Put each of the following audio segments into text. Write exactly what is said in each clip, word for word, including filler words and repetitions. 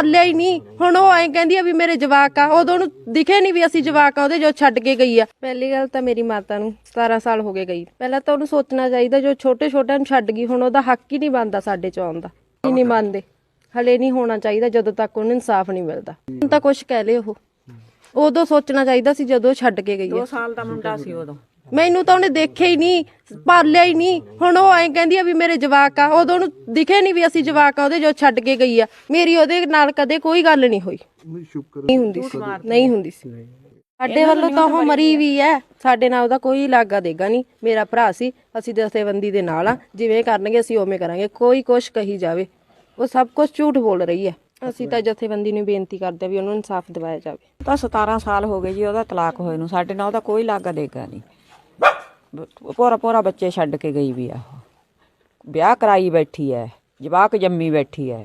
ਪਾਲਿਆ ਹੀ ਨਹੀਂ। ਹੁਣ ਉਹ ਐਂ ਕਹਿੰਦੀ ਆ ਵੀ ਮੇਰੇ ਜਵਾਕ ਆ, ਉਦੋਂ ਉਹਨੂੰ ਦਿਖੇ ਨਹੀਂ ਵੀ ਅਸੀਂ ਜਵਾਕ ਆ ਉਹਦੇ ਜੋ ਛੱਡ ਕੇ ਗਈ ਆ। ਪਹਿਲੀ ਗੱਲ ਤਾਂ ਮੇਰੀ ਮਾਤਾ ਨੂੰ ਸਤਾਰਾਂ ਸਾਲ ਹੋ ਗਏ ਗਈ। ਪਹਿਲਾਂ ਤਾਂ ਉਹਨੂੰ ਸੋਚਣਾ ਚਾਹੀਦਾ ਜੋ ਛੋਟੇ ਛੋਟਿਆਂ ਨੂੰ ਛੱਡ ਗਈ, ਹੁਣ ਉਹਦਾ ਹੱਕ ਹੀ ਨਹੀਂ ਬਣਦਾ ਸਾਡੇ ਚ ਆਉਣ ਦਾ। ਹੀ ਨਹੀਂ ਮੰਨਦੇ, ਹਲੇ ਨਹੀਂ ਹੋਣਾ ਚਾਹੀਦਾ ਜਦੋਂ ਤੱਕ ਉਹਨੂੰ ਇਨਸਾਫ ਨਹੀਂ ਮਿਲਦਾ। ਹੁਣ ਤਾਂ ਕੁਛ ਕਹਿ ਲਏ, ਉਹ ਉਦੋਂ ਸੋਚਣਾ ਚਾਹੀਦਾ ਸੀ ਜਦੋਂ ਛੱਡ ਕੇ ਗਈ। ਦੋ ਸਾਲ ਦਾ ਮੁੰਡਾ ਸੀ ਉਦੋਂ। ਮੈਨੂੰ ਤਾਂ ਉਹਨੇ ਦੇਖਿਆ ਹੀ ਨਹੀਂ, ਪਾਲਿਆ ਹੀ ਨਹੀਂ। ਹੁਣ ਉਹ ਐਂ ਕਹਿੰਦੀ ਆ ਵੀ ਮੇਰੇ ਜਵਾਕ ਆ, ਉਦੋਂ ਉਹਨੂੰ ਦਿਖੇ ਨਹੀਂ ਵੀ ਅਸੀਂ ਜਵਾਕ ਆ ਉਹਦੇ ਜੋ ਛੱਡ ਕੇ ਗਈ ਆ। ਮੇਰੀ ਉਹਦੇ ਨਾਲ ਕਦੇ ਕੋਈ ਗੱਲ ਨਹੀਂ ਹੋਈ, ਨਹੀਂ ਹੁੰਦੀ ਸੀ, ਨਹੀਂ ਹੁੰਦੀ ਸੀ। ਸਾਡੇ ਵੱਲੋਂ ਤਾਂ ਉਹ ਮਰੀ ਵੀ ਹੈ, ਸਾਡੇ ਨਾਲ ਉਹਦਾ ਕੋਈ ਲਾਗਾ ਦੇਗਾ ਨਹੀਂ। ਮੇਰਾ ਭਰਾ ਸੀ, ਅਸੀਂ ਦਸਤੇਬੰਦੀ ਦੇ ਨਾਲ ਆ, ਜਿਵੇਂ ਕਰਨਗੇ ਅਸੀਂ ਉਵੇਂ ਕਰਾਂਗੇ। ਕੋਈ ਕੁਛ ਕਹੀ ਜਾਵੇ, ਉਹ ਸਭ ਕੁਝ ਝੂਠ ਬੋਲ ਰਹੀ ਹੈ। ਅਸੀਂ ਤਾਂ ਜਥੇਬੰਦੀ ਨੂੰ ਬੇਨਤੀ ਕਰਦੇ ਵੀ ਉਹਨੂੰ ਇਨਸਾਫ ਦਿਵਾਇਆ ਜਾਵੇ। ਤਾਂ ਸਤਾਰਾਂ ਸਾਲ ਹੋ ਗਏ ਜੀ ਉਹਦਾ ਤਲਾਕ ਹੋਏ ਨੂੰ, ਸਾਡੇ ਨਾਲ ਉਹਦਾ ਕੋਈ ਲਾਗਾ ਦੇਗਾ ਨਹੀਂ। ਪੋਰਾ ਪੋਰਾ ਬੱਚੇ ਛੱਡ ਕੇ ਗਈ ਵੀ ਆ, ਵਿਆਹ ਕਰਾਈ ਬੈਠੀ ਹੈ, ਜਵਾਕ ਜੰਮੀ ਬੈਠੀ ਹੈ।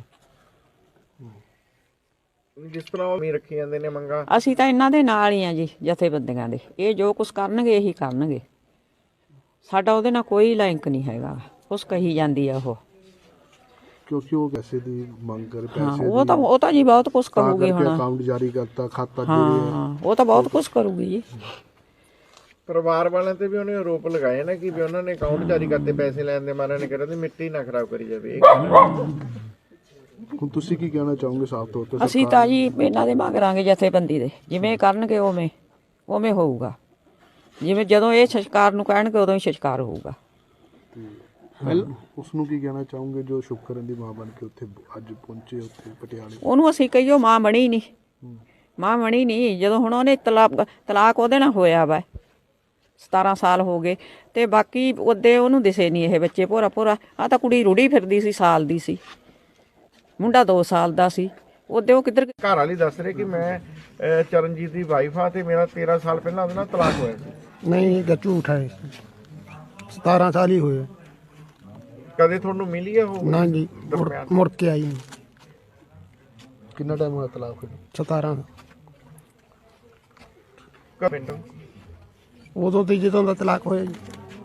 ਜਿਸ ਤਰ੍ਹਾਂ ਉਹ ਮੀ ਰੱਖੀ ਜਾਂਦੇ ਨੇ ਮੰਗਾ, ਅਸੀਂ ਤਾਂ ਇਹਨਾਂ ਦੇ ਨਾਲ ਹੀ ਆ ਜੀ, ਜਥੇਬੰਦੀਆਂ ਦੇ। ਇਹ ਜੋ ਕੁਛ ਕਰਨਗੇ ਇਹੀ ਕਰਨਗੇ, ਸਾਡਾ ਉਹਦੇ ਨਾਲ ਕੋਈ ਲਿੰਕ ਨਹੀਂ ਹੈਗਾ। ਕੁਛ ਕਹੀ ਜਾਂਦੀ ਆ ਉਹ, ਕਿਉਂਕਿ ਉਹ ਪੈਸੇ ਦੀ ਮੰਗ ਕਰ ਹਾਂ ਪੈਸੇ ਉਹ ਤਾਂ ਉਹ ਤਾਂ ਜੀ ਬਹੁਤ ਕੁਛ ਕਰੂਗੀ ਹੁਣ। ਅਕਾਊਂਟ ਜਾਰੀ ਕਰਤਾ, ਖਾਤਾ ਦੇ ਹਾਂ ਉਹ ਤਾਂ ਬਹੁਤ ਕੁਛ ਕਰੂਗੀ ਜੀ। ਪਰਿਵਾਰ ਵਾਲਿਆਂ ਤੇ ਵੀ ਉਹਨੇ ਆਰੋਪ ਲਗਾਏ ਨਾ ਕਿ ਵੀ ਉਹਨਾਂ ਨੇ ਅਕਾਊਂਟ ਜਾਰੀ ਕਰਤੇ ਪੈਸੇ ਲੈਣ ਦੇ ਮਾਰੇ ਨੇ, ਕਹਿੰਦੇ ਮਿੱਟੀ ਨਾ ਖਰਾਬ ਕਰੀ ਜਾਵੇ। ਹੁਣ ਤੁਸੀਂ ਕੀ ਕਹਿਣਾ ਚਾਹੋਗੇ ਸਾਫ਼ ਤੌਰ ਤੇ? ਅਸੀਂ ਤਾਂ ਜੀ ਇਹਨਾਂ ਦੇ ਮੰਗਾਂਗੇ ਜਥੇਬੰਦੀ ਦੇ, ਜਿਵੇਂ ਕਰਨਗੇ ਉਵੇਂ ਉਵੇਂ ਹੋਊਗਾ। ਜਿਵੇਂ ਜਦੋਂ ਇਹ ਸੰਸਕਾਰ ਨੂੰ ਕਹਿਣਗੇ ਉਦੋਂ ਹੀ ਸੰਸਕਾਰ ਹੋਊਗਾ। ਉਸ ਨੂੰ ਕੀ ਕਹਿਣਾ ਚਾਹੋਗੇ ਜੋ ਸ਼ੁਕਰਨ ਦੀ ਮਾਂ ਬਣ ਕੇ ਉੱਥੇ ਅੱਜ ਪਹੁੰਚੇ ਉੱਥੇ ਪਟਿਆਲੇ? ਉਹਨੂੰ ਅਸੀਂ ਕਹੀਓ ਮਾਂ ਬਣੀ ਨਹੀਂ, ਮਾਂ ਬਣੀ ਨਹੀਂ। ਜਦੋਂ ਹੁਣ ਉਹਨੇ ਤਲਾਕ ਤਲਾਕ ਉਹਦੇ ਨਾਲ ਹੋਇਆ ਵਾ, ਸਤਾਰਾਂ ਸਾਲ ਹੋ ਗਏ, ਤੇ ਬਾਕੀ ਉਹਦੇ ਉਹਨੂੰ ਦਿਸੇ ਨਹੀਂ ਇਹ ਬੱਚੇ। ਭੋਰਾ ਭੋਰਾ ਆ ਤਾਂ ਕੁੜੀ ਰੁੜੀ ਫਿਰਦੀ ਸੀ, ਸਾਲ ਦੀ ਸੀ, ਮੁੰਡਾ ਦੋ ਸਾਲ ਦਾ ਸੀ। ਉਹਦੇ ਉਹ ਕਿੱਧਰ ਘਰ ਵਾਲੀ ਦੱਸ ਰਹੇ ਕਿ ਮੈਂ ਅਹ, ਚਰਨਜੀਤ ਦੀ ਵਾਈਫ ਆ ਤੇ ਮੇਰਾ ਤੇਰਾਂ ਸਾਲ ਪਹਿਲਾਂ ਉਹਦੇ ਨਾਲ ਤਲਾਕ ਹੋਇਆ ਸੀ। ਨਹੀਂ ਇਹ ਝੂਠ ਹੈ, ਸਤਾਰਾਂ ਸਾਲ ਹੀ ਹੋਏ। ਕਦੇ ਤੁਹਾਨੂੰ ਮਿਲੀ ਆ ਉਹ? ਨਾ ਜੀ, ਮੁੜ- ਮੁੜ ਕੇ ਆਈ ਨਹੀਂ। ਕਿੰਨਾ ਟਾਈਮ ਹੋਇਆ ਤਲਾਕ ਹੋਏ? ਸਤਾਰਾਂ ਪਿੰਡ ਉਦੋਂ ਤੇ ਜਦੋਂ ਦਾ ਤਲਾਕ ਹੋਇਆ ਜੀ,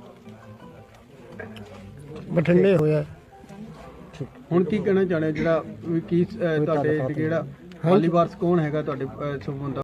ਬਠਿੰਡੇ ਹੋਇਆ। ਹੁਣ ਕੀ ਕਹਿਣਾ ਚਾਹੁੰਦੇ ਜਿਹੜਾ ਵੀ ਕੀ ਅਹ, ਤੁਹਾਡੇ ਜਿਹੜਾ ਵਾਲੀ ਵਾਰਸ ਕੌਣ ਹੈਗਾ ਤੁਹਾਡੇ ਅਹ, ਸੰਬੰਧ ਦਾ?